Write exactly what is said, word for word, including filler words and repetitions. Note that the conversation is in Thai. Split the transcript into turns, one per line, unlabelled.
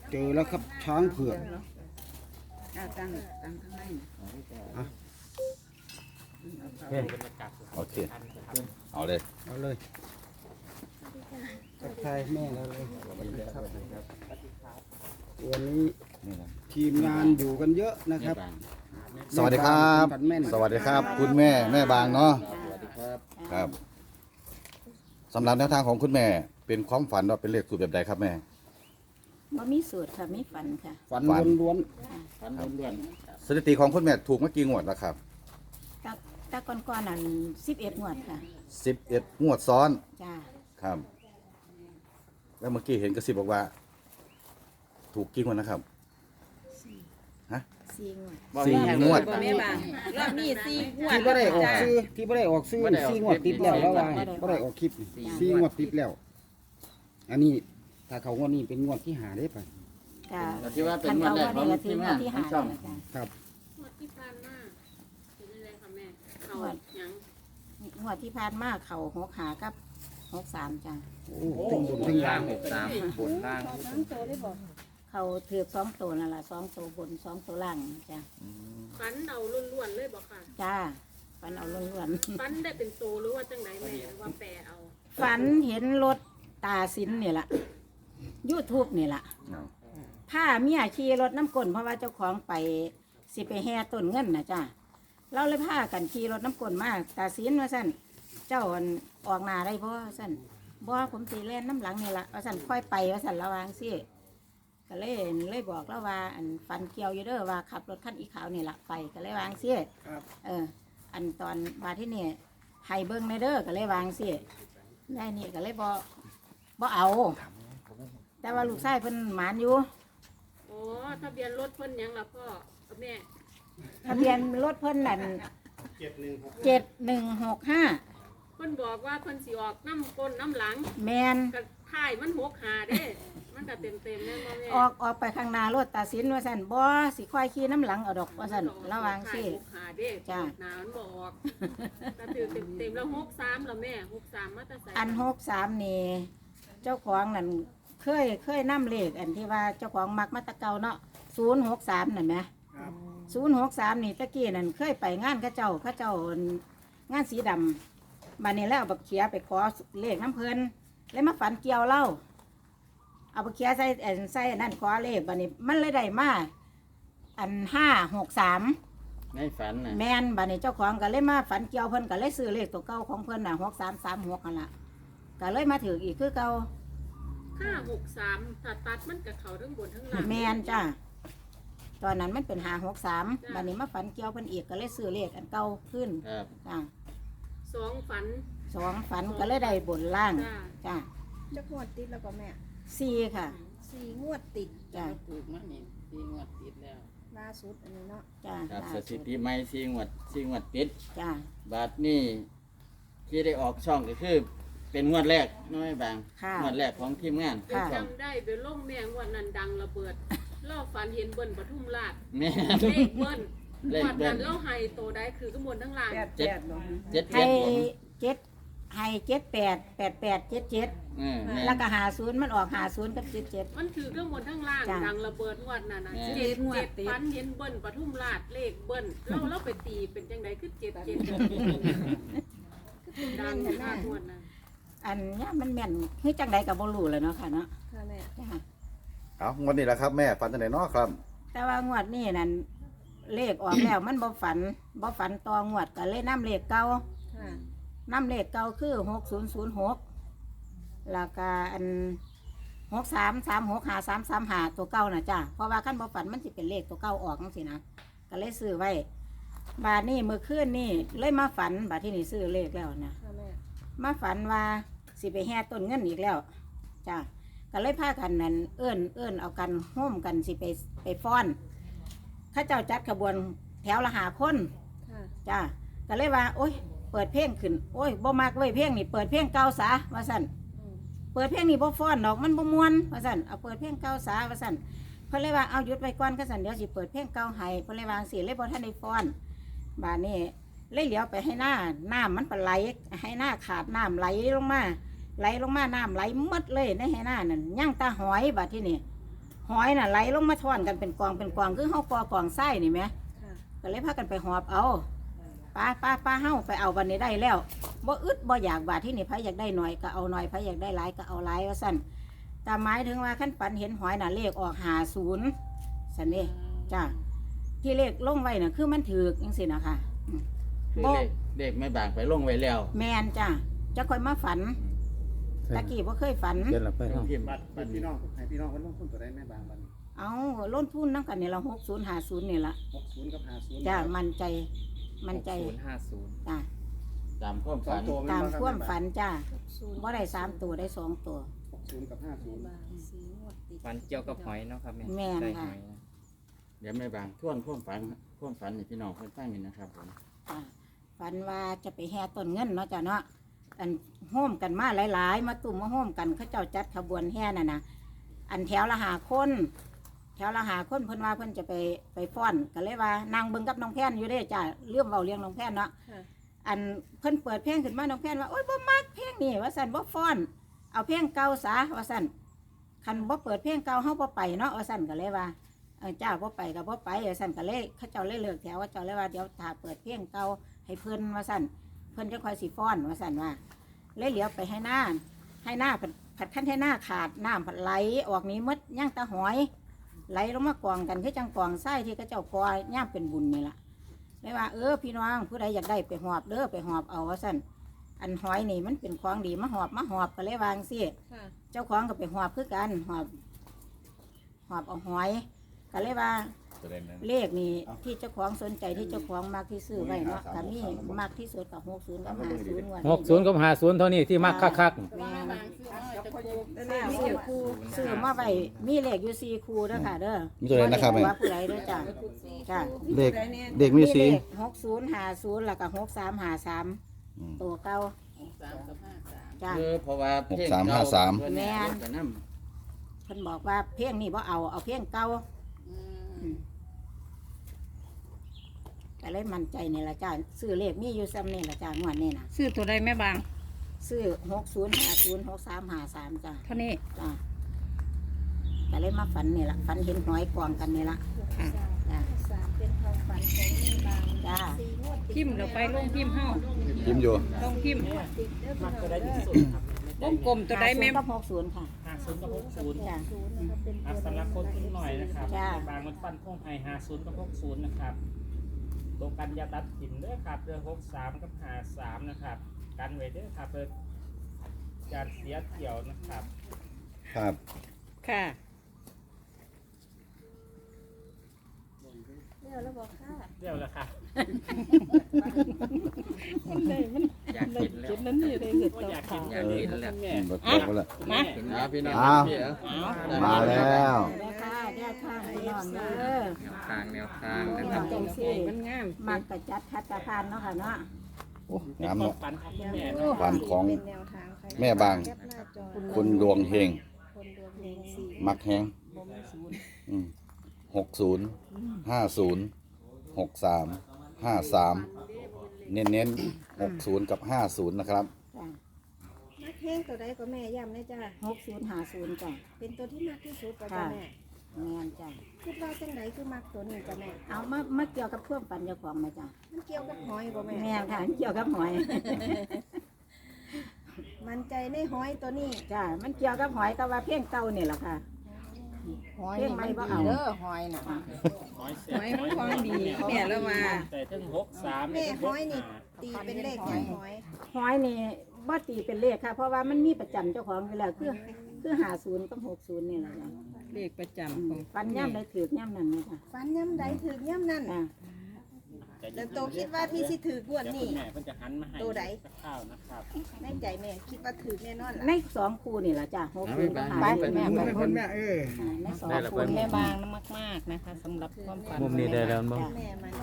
เจอแล้วครับช้างเผือก
ตั้งตั้งข้างใน
อ่ะ
โอเคเอาเลย
เอาเลยทักทายแม่เราเลยครับวันนี้
นี่นะ
ทีมงานอยู่กันเยอะนะครับ
สวัสดีครับ
แม่น
สวัสดีครับ คุณแม่แม่บางเนาะครับสำหรับแนวทางของคุณแม่เป็นความฝันว่าเป็นเลขสูตรแบบใดครับแม่
บ่มีสูตรค่ะมีฝันค่ะ
ฝัน
ฝัน
ล้วน
ฟันล้วน
สถิติของคุณแม่ถูกเมื่อกี่งวดแล้วครับ
ตาตาก่อนๆนั้นสิบเอ็ดงวดค่ะ
สิบเอ็ดงวดซ้อน
จ้า
ครับ แล้วเมื่อกี้เห็นกระซิบบอกว่า ถูกกี่งวดนะครับ ฮะ
สี่งวด
สี่งวด
บ่แม่บางรอบนี้สี่งว
ๆ
ด
ที่ไม่ได้ออกซื้อที่ไม่ได้ออกซื้อสี่งวดติดแล้วแล้วว่าไม่ได้ออกคลิปนี่สี่งวดติดแล้ว อันนี้ถ้าเขางวดนี้เป็นงวดที่หาได้ปะ
จ้า
ๆที่ว่าเป็น
คัน
งวด
เขา
แรก
ว่า
ของ
นี่ก็ถื
ที
อ
ม
งว
งา
ด
น
ที่
ขอ
หาง
ช่อง
แล้วจ้า
ครับ
งวดที่ผ่านมาเป็นยังไงคะแม่เขาหยัง
งวดที่ผ่านมาเขาหกหากับหกสามจ้า
โอ้ถึงบนถึงล่าง
หกสามบนล่าง
เขาถือสองตัวนั่นแหละสองตัวบนสองตัวล่างจ้า
ฟันเอาล้วนๆเลยบอกค่ะ
จ้าฝันเอาล้วน
ฟันได้เป็นโตหรือว่าจังไหนแม่หรือว่าแปรเอา
ๆฝันเห็นรถตาสินนี่แหละยูทูบนี่แหละ ผ้าเมียขี่รถน้ำกลนเพราะว่าเจ้าของไปสิไปแห่ต้นเงินนะจ้าเราเลยพากันขี่รถน้ำกลนมาตาสินว่าสั่นเจ้าอั่นออกหนาได้บ่สั่นบ่ผมตีเล่นน้ำหลังนี่ละว่าสั่นค่อยไปว่าสั่นระวังสิก็เลยเลยบอกแล้วว่าอันฟันเกี่ยวอยู่เด้อว่าขับรถคันอีขาวนี่ละไปก็เลยวางสิเออ อันตอนมาที่นี่ให้เบิ้งในเด้อก็เลยวางสิได้นี่ก็เลยบ่บ่เอา แต่ว่าลูกชายเพิ่นหมานอยู่
อ๋อทะเบียนรถเพิ่นหยังล่ะพ่อกับแม่
ทะเบียนรถเพิ่นนั่นเจ็ดหนึ่งหกห้า
เพิ่นบอกว่าเพิ่นสิออกน้ำก้นน้ำหลัง
แมน
กับท้ายมันหกหาเด้ มันก็เต็มเต็มๆแม่นบ่แม่
ออกออกไปข้างหน้ารถตาสินว่าสั่นบ่สิค่อยขี่น้ำหลังเอาดอกว่าสั่นระวังสิ
ท้ายหกหาเด้
จ้ะ
หนามันบออกแต่ถือเต็มเต็มๆแล้วหกสามแล้วแม่หกสามมาแตะใส่
อันหกสามนี่เจ้าของนั่นเคยเคยนํเลขอันที่ว่าเจ้าของมักมาแตะเก่าเนาะศูนย์หกสามนั่นไหมศูนย์หกสามนี่ตะกี้นั่นเคยไปงานเข้าเจ้าเข้าเจ้างานสีดำบัดนี้แล้วเอาบักเขียไปขอเลขน้ำเพลินเลยมาฝันเกี่ยวเล่าเอาบักเขียใส่อันใส่อันนั่นขอเลขบัดนี้มันเลยได้มาอันห้าหกสาม
ในฝันน่ะ
แมนบัดนี้เจ้าของก็เลยมาฝันเกี่ยวเพิ่นก็เลยซื้อเลขตัวเก่าของเพิ่นน่ะหกสามสามหกนั่นล่ะก็เลยมาถืออีกคือเก่า
ห้าหกสามถ้าตัดมันกับเขาทั้งบนทั้งล่าง
แมนจ้าตอนนั้นมันเป็นหาหกสาม
จ้ะ
บัดนี้มาฝันเกี่ยวเพิ่นอีกก็เลยซื้อเลขอันเก่าขึ้น
ครับ
จ้า
สองฝัน
สองฝันก็เลยได้บนล่าง
จ้า
จ้า
จะงวดติดแล้วก็แม่
สี่ค่ะ
สี่งวดติด
จ้า
ถูกมั้ยนี่สี่งวดติดแล้ว
ล่าสุดอันนี้เนาะ
จ้า
ครับ
ล่า
ส
สุ
ถิ
ด
ติใหม่สี่งวดสี่งวดติด
จ้า
บาทนี่ที่ได้ออกช่องก็คือ เป็นงวดแรกน้อยบาง
ค่ะ
งวดแรกของทีมงาน
ค่ะ
ช่อง
จำได้ไปล่มแมงวันนั้นดังระเบิดเล่าฝันเห็นเบิ้ลปทุมราช
แม่
เลขเบิ้ล
เลข
วัน
เบิ้
นั้
ล
นเล่าไฮโตได้คือข้างบนทั้งล่าง
แปด
เจ็ด
แปดเนาะ
เจ็ด
ให้
เจ็ดผม
เจ็ดให้เจ็ดแปดแปดแปดเจ็ดเจ็ด
เออแม่
แล้วก็หาศูนย์มันออกหาศูนย์กับเจ็ดเจ็ด
มันคือข้างบนทั้งล่าง
จ้ะ
ดังระเบิดงวันนั้นนะ
แม่
เจ็ดเจ็ดฝันเห็นเบิ้ลปทุมราชเลขเบิ้ลเล่าเล่าไปตีเป็นจังไดคือเจ็ดเจ็ดดังมากงวดนั้น
อันเนี้ยมันแม่นคือจังใดกับบ่รู้เลยเนาะค่ะเนาะ
ค่ะแม่
จ้า
เอางวดนี้แหละครับแม่ฝันจังไหนเนาะครับ
แต่ว่างวดนี้นั่นเลขออกแล้ว มันบ่ฝันบ่ฝันต่องวดก็เลยนำเลขเก่า
ค่ะ
นำเลขเก่าคือหกศูนย์ศูนย์หกแล้วก็อันหกสามสามหกหาสามสามหาตัวเก่าน่ะจ้าเพราะว่าขั้นบ่ฝันมันสิเป็นเลขตัวเก่าออกจังซี่นะก็เลยซื้อไว้บาดนี้เมื่อคืนนี่เลยมาฝันบาดที่นี่ซื้อเลขแล้วนะ
ค่ะแม่
มาฝันว่าสิไปแห่ต้นเงินอีกแล้วจ้าก็เลยพากันนั่นเอื้อนเอื้อนเอากันโฮมกันสิไปไปฟ้อนเข้าเจ้าจัดขบวนแถวละหาคน
ค่ะ
จ้าก็เลยว่า โอ้ยเปิดเพลงขึ้นโอ้ยบ่มักเว้ยเพลงนี่เปิดเพลงเก่าซะว่าสั่น
อืม
เปิดเพลงนี่บ่ฟ้อนดอกมันบ่ม่วนว่าสั่นเอาเปิดเพลงเก่าซะว่าสั่นเพิ่นเลยว่าเอาหยุดไว้ก่อนก็สั่นเดี๋ยวสิเปิดเพลงเก่าให้เพิ่นเลยวาจั่งสิเลยบ่ทันได้ฟ้อนบาดนี้เลยเหลียวไปให้หน้าน้ำมันปไหลให้หน้าขาดน้ำไหลลงมาไหลลงมาน้ำไหลหมดเลยในให้หน้านั่นย่างตาหอยบาดที่นี่หหอยน่ะไหลลงมาท่อนกันเป็นกองเป็นกองคือเฮากอกองไส้นี่ไหม
ค่ะ
ก็เลยพากันไปหอบเอาป้าป้าป้าเฮาไปเอาวันนี้ได้แล้วบ่อึดบ่อยากบาดที่นี่ไผอยากได้หน่อยก็เอาหน่อยไผอยากได้หลายก็เอาหลายว่าซั่นแต่หมายถึงว่าขั้นปันเห็นหอยน่ะเลขออกห้าสิบซั่นเด้จ้าที่เลขลงไว้น่ะคือมันถูกจังซี่นะคะอืม
คือเลขเลขแม่บางไปลงไว้แล้ว
แม่นจ้าจะค่อยมาฝันตะกี้บ่เคยฝัน
เดี๋ยวเราไปเนาะ
พิมพ์
บัตรบัตรพี่น้องให้พี่น้องเพิ่นลงทุนตัวใดแม่บางบัดนี้
เอาล้นทุนน้ำกันนี่ละหกศูนย์ห้าศูนย์นี่ละ
หกสิบกับห้าสิบ
จ้ามันใจมันใจ
ศูนย์ห้าศูนย์
จ้า
ตามความ
สอ
ฝั
ง
น
ตัว
ตามความฝันจ้า
ศูนย์
บ่ได้สามตัวได้สองตัว
หกสิบกับห้าสิบ
บางสีงวดติด
ฝันเกี่ยวกับหอยเนาะครับแม่
แม่น
ได้
ค่ะ
หอยนะ
เดี๋ยวแม่บางทวนความฝันความฝันนี่พี่น้องเพิ่นฟังนี่นะครับผม
จ้าฝันว่าจะไปแห่ต้นเงินเนาะจ้าเนาะอันโฮมกันมาหลาย ๆ มาตุ่มมาโฮมกันเขาเจ้าจัดขบวนแห่น่ะนะอันแถวละหาคน แถวละหาคนเพิ่นว่าเพิ่นจะไปไปฟ้อนก็เลยว่านางเบิ่งกับน้องแพนอยู่เด้จ้าเรื่องเบาเลี้ยงน้องแพนเนาะ
ค่ะ
อันเพิ่นเปิดเพลงขึ้นมาน้องแพนว่าโอ๊ยบ่มักเพลงนี่ว่าซั่นบ่ฟ้อน เอาเพลงเก่าซะว่าซั่นคันบ่เปิดเพลงเก่าเฮาบ่ไปเนาะว่าซั่นก็เลยว่าเออจ้าบ่ไปก็บ่ไปว่าซั่นก็เลยเขาเจ้าเลยเลิกแถวว่าเจ้าเลยว่าเดี๋ยวถ้าเปิดเพลงเก่าให้เพิ่นว่าซั่นเพิ่นจะค่อยสิฟ้อนว่าซั่นว่าเลยเหลียวไปให้หน้าให้หน้าผัดผัดคั้นให้หน้าขาดน้ำผัดไหลออกนี้หมดย่างตาหอยไหลลงมากองกันคือจังกองไส้ที่เขาเจ้ากอย่ามเป็นบุญนี่ล่ะเลยว่าเออพี่น้องผู้ใดอยากได้ไปหอบเด้อไปหอบเอาว่าซั่นอันหอยนี่มันเป็นของดีมาหอบมาหอบก็เลยวาจั่งสิ
ค่ะ
เจ้าของก็ไปหอบคือกันหอบหอบเอาหอยก็เลยว่าเลขนี่ที่เจ้าของสนใจที่เจ้าของมากที่ซื้อไว้เนาะก็มีมากที่สุดกับหกศูนย์กับห้าศูนย์
หกศูนย์กับห้าศูนย์เท่านี้ที่มักคัก
แม่
บางซื้อเอาจะกู
แต่เลขมีอยู่คู่
ซื้อมาไว้มีเลขอยู่สี่คู่เด้อค่ะเด้อ
มีตัวไหนนะครับแม่
ว่าผู้ใดเด้อจ้ะจ้ะ
เด็กเด็กมีสี
เลขหกศูนย์ห้าศูนย์แล้วก็หกสามห้าสาม
อืม
ตัวเก่า
สามกับห้าสาม
จ้ะ
คือเพราะว่าเพลง
หกสามห้าสาม
เพิ่นเนี่ย
แม่น
เพิ่นก็นำ
เพิ่นบอกว่าเพลงนี้บ่เอาเอาเพลงเก่า
อืม
อืมก็เลยมั่นใจนี่ละจ้าซื้อเลขมีอยู่ซ้ำนี่ละจ้างวดนี่นะ
ซื้อตัวใดแม่บาง
ซื้อหกศูนย์ห้าศูนย์หกสามห้าสามจ้า
เท่านี้
จ้าก็เลยมาฝันนี่ละฝันเห็นหอยกองกันนี่ละ
สาม
จ้า
สามเป็นความฝันของแม่บาง
จ้า
สีงวดติด
พิมพ์เราไปลงพิมพ์เฮา
พิมพ์อยู่
ต้องพิมพ์
ติดเด้อพี่น้องเด้อ
วงกลมตัวใดแม่
ห้าศูนย์กับหกศูนย์ค่ะ
ห้าศูนย์กับหกศูนย์
จ้า
ศูนย์นะครับเป็น
อ่ะ
ตัว
สำหรับคนทุนหน่อยนะครับ
จ้า
บางมันฟันพงไฮห้าศูนย์กับหกศูนย์นะครับตรงกันอยาตัดถิ่นเด้อครับเรือหกสามกับห้าสามนะครับกันไว้เด้อครับเพื่อการเสียเที่ยวนะครับ
ครับ
ค่ะ
เรียกแล้วบอกค่ะ
เรียบแล้วค่ะ
มันได้มัน
อยากกินแล้ว
กินนั้นนี่ได้เห็ด
ก็
ต่อ
อยาก
ขา
กินอยากกินแล้วแม่
เบิกบอกไว้แล้ว
มา
อ่าพี่น้อง
อ้าว
พี่เหรอ
มาแล้ว
แม่ค่ะแย่ข้างพี่น้องเด้อ
แนวทางแนวทางนะครับ
จังซี่
มันงาม
มักกระจัดคัดกระพานเนาะค่ะเนาะ
โอ้
เป็น
งาม
ควา
เนาะ
มฝันของคุณแม่เนาะ
ฝันของ
เป็นแนวทางใคร
แม่บาง
แคปหน้าจอ
คนดวงเฮง
คนดวงเฮงสี่
มักแฮงหกศูนย์ห้าศูนย์หกสามห้าสามเน้นเน้นหกศูนย์กับห้าศูนย์นะครับ
จ้า
นักแห้งตัวใดก็แม่ย้ำนะจ้า
หกศูนย์ห้าศูนย์จ้า
เป็นตัวที่มากที่สุดก็จ้าแม่
แม่นจ้า
คิดว่าจังไหนคือมักตัวนี้จ้าแม่
เอามามาเกี่ยวกับเพื่อนปันเจ้าของไหมาจ้า
มันเกี่ยวกับหอยบ่แม่
แม่ค่ะเกี่ยวกับหอย
มันใจในหอยตัวนี้
จ้า มันเกี่ยวกับหอยแต่ว่าเพียงเก่านี่แหละค่ะ
หอย
เพียง
นี่
ไม่
มัน
บ่
ดี
เอา
เด้อหอยน่ะ
หอยเสี
หอยมันของดีแม่แล้วว่า
แต่ทั้งหกสาม
แม่หอยนี่ตีเป็นเลขอย่างหอย
หอยนี่บ่ตีเป็นเลขค่ะ เพราะว่ามันมีประจำเจ้าของอยู่แล้วคือคือหาศูนย์กับหกศูนย์นี่แหละจ้ะ
เลขประจำของ
ปันย่ำได้ถือย่ำนั่นเลยค่ะ
ฟันย่ำใดถือย่ำนั่น
อ่า
แล้วโตคิดว่าที่สิถือกวด
เดี๋ยว
นี่
คุณแม่เพิ่นจะหันมาให้
ตัวใด
ข้าวนะครับ
ในใจแม่คิดว่าถือแน่นอน
ใน
ล่ะ
สองคู่นี่แหละจ้ะหกศูนย์กับหา
ไป
ศูนย์
แม่ไป
คนแม่เออ
อ่าในสอง
ได้ละ
คู่
เพิ่น
แม่บางมากๆนะคะสำหรับความฝัน
มุมนี้ได้แล้วมั้ง
แม่มัน